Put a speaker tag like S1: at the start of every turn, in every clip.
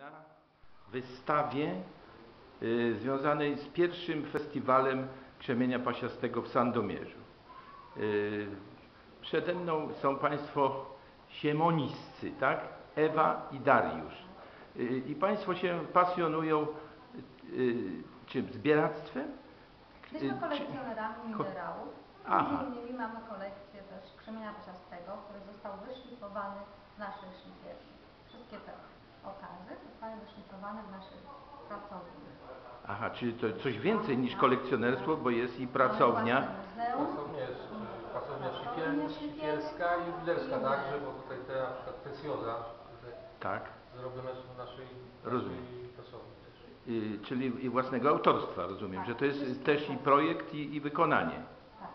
S1: na wystawie związanej z pierwszym festiwalem krzemienia pasiastego w Sandomierzu. Przede mną są Państwo siemoniscy, tak? Ewa i Dariusz. I Państwo się pasjonują czym? Zbieractwem?
S2: Jesteśmy kolekcjonerami minerałów. Między innymi mamy kolekcję też krzemienia pasiastego, który został wyszlifowany w naszej szlifierni. Wszystkie te okazy zostały wyszlifowane w naszej pracowni.
S1: Aha, czyli to coś więcej niż kolekcjonerstwo, bo jest i pracownia.
S3: Pracownia szlifierska i jubilerska także, bo tutaj te na przykład precjoza
S1: Tak.
S3: zrobione są w naszej pracowni też.
S1: Czyli i własnego autorstwa, rozumiem, że to jest też i projekt i wykonanie.
S2: Tak.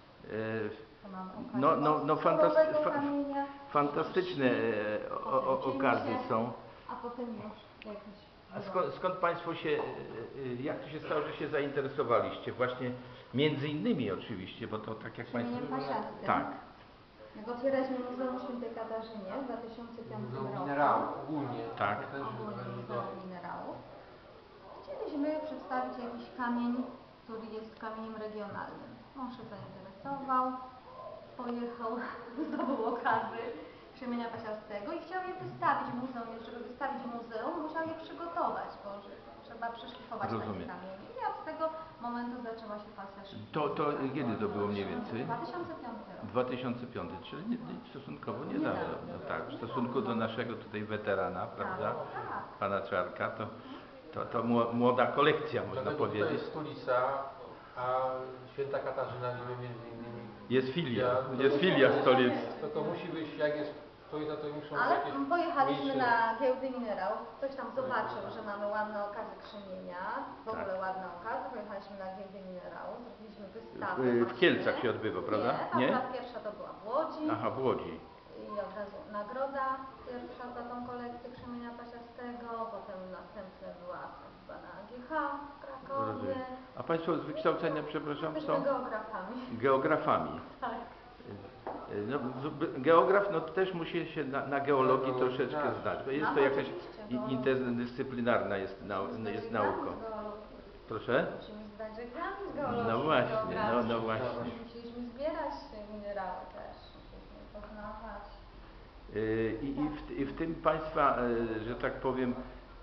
S1: Fantastyczne okazy są.
S2: A potem już jakieś...
S1: A skąd Państwo się, jak to się stało, że się zainteresowaliście? Właśnie między innymi oczywiście, bo to tak jak Państwo...
S2: pasiastym.
S1: Tak.
S2: Jak otwieraliśmy Muzeum Świętej Katarzynie w 2005 roku.
S3: Muzeum Minerałów ogólnie.
S1: Tak.
S2: Ogólnie Muzeum Minerałów. Chcieliśmy przedstawić jakiś kamień, który jest kamieniem regionalnym. On się zainteresował, pojechał, zdobył okazy krzemienia pasiastego i chciał je wystawić w muzeum. Żeby wystawić w muzeum, musiał je przygotować, bo trzeba przeszlifować takie kamienie. I od tego momentu zaczęła się pasja szlifierska.
S1: To kiedy to było mniej więcej?
S2: 2005 rok.
S1: 2005, czyli stosunkowo niedawno. No tak, w stosunku do naszego tutaj weterana, prawda?
S2: Tak.
S1: Pana Czarka, to młoda kolekcja, można powiedzieć.
S3: To jest stolica, a Święta Katarzyna, gdzie między innymi
S1: jest filia stolicy.
S3: To musi być, jak jest stolica, to muszą
S2: Ale
S3: jakieś
S2: pojechaliśmy
S3: miejsce.
S2: na giełdy minerałów, ktoś tam zobaczył, że mamy ładne okazy krzemienia, w ogóle ładne okazy, pojechaliśmy na giełdy minerałów, zrobiliśmy wystawę.
S1: W Kielcach się odbywa, prawda?
S2: Nie? Pierwsza to była w Łodzi.
S1: Aha, w Łodzi.
S2: I od razu nagroda pierwsza za tą kolekcję krzemienia pasiastego, potem następna była chyba na AGH w Krakowie.
S1: Rozumiem. A Państwo z wykształcenia, przepraszam,
S2: Jesteśmy
S1: są?
S2: geografami.
S1: Geografami.
S2: Tak.
S1: No, geograf też musi się na geologii troszeczkę znać, bo jest to jakaś interdyscyplinarna jest nauka. Proszę?
S2: Musimy zdać egzamin z geologii.
S1: No właśnie, no właśnie.
S2: Musieliśmy zbierać minerały też, musieliśmy poznawać.
S1: I w tym Państwa, że tak powiem,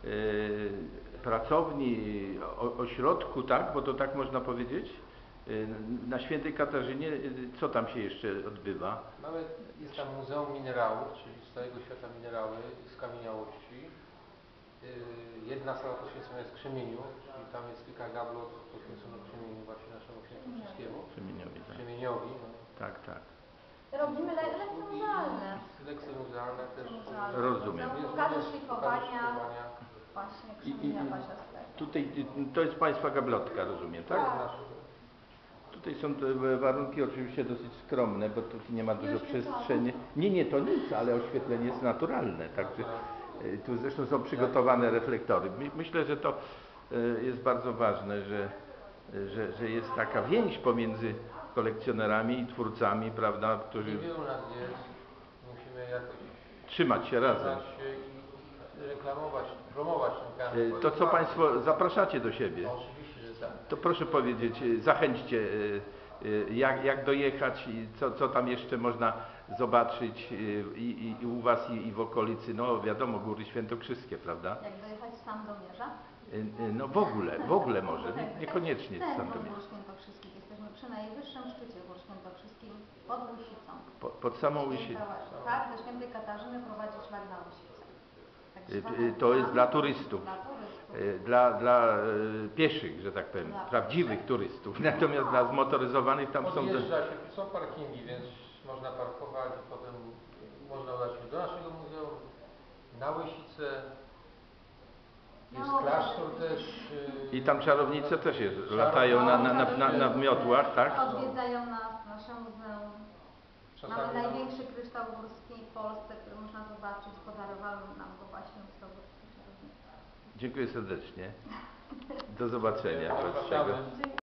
S1: pracowni, ośrodku, tak, bo to tak można powiedzieć, na Świętej Katarzynie, co tam się jeszcze odbywa?
S3: Jest tam Muzeum Minerałów, czyli z całego świata minerały, skamieniałości. Jedna sala poświęcona jest krzemieniu, czyli tam jest kilka gablot poświęconych krzemieniu właśnie naszemu świętokrzyskiemu.
S1: Krzemieniowi, tak.
S3: Krzemieniowi. No.
S1: Tak, tak.
S2: Robimy lekcje muzealne.
S3: Lekcje muzealne też.
S1: Rozumiem.
S2: Pokazy szlifowania właśnie krzemienia pasiastego.
S1: Tutaj to jest Państwa gablotka, rozumiem, tak? Tutaj są te warunki oczywiście dosyć skromne, bo tu nie ma dużo przestrzeni. Nie, to nic, ale oświetlenie jest naturalne. Także tu zresztą są przygotowane reflektory. Myślę, że to jest bardzo ważne, że jest taka więź pomiędzy kolekcjonerami i twórcami, prawda, którzy...
S3: Niewielu nas jest. Musimy jakoś
S1: trzymać się razem.
S3: I reklamować, promować ten kanał.
S1: To co Państwo zapraszacie do siebie?
S3: Oczywiście, że tak.
S1: To proszę powiedzieć, zachęćcie, jak dojechać i co tam jeszcze można zobaczyć i u Was i w okolicy, no wiadomo, Góry Świętokrzyskie, prawda?
S2: Jak dojechać z Sandomierza?
S1: No w ogóle może, niekoniecznie z Sandomierza.
S2: Gór Świętokrzyskich. Jesteśmy przy najwyższym szczycie Gór Świętokrzyskich pod Łysicą.
S1: Pod samą Łysicą.
S2: Tak, ze Świętej Katarzyny prowadzi szlak na Łysicę.
S1: To jest dla turystów. Dla pieszych, że tak powiem, prawdziwych turystów. Natomiast dla zmotoryzowanych tam są...
S3: Są parkingi, więc można parkować i potem można udać się do naszego muzeum, na Łysicę. Jest klasztor też.
S1: I tam czarownice też latają na miotłach, tak?
S2: Odwiedzają nas, nasze muzeum. Mamy największy kryształ górski w Polsce, który można zobaczyć. Podarowały nam go właśnie czarownice.
S1: Dziękuję serdecznie. Do zobaczenia.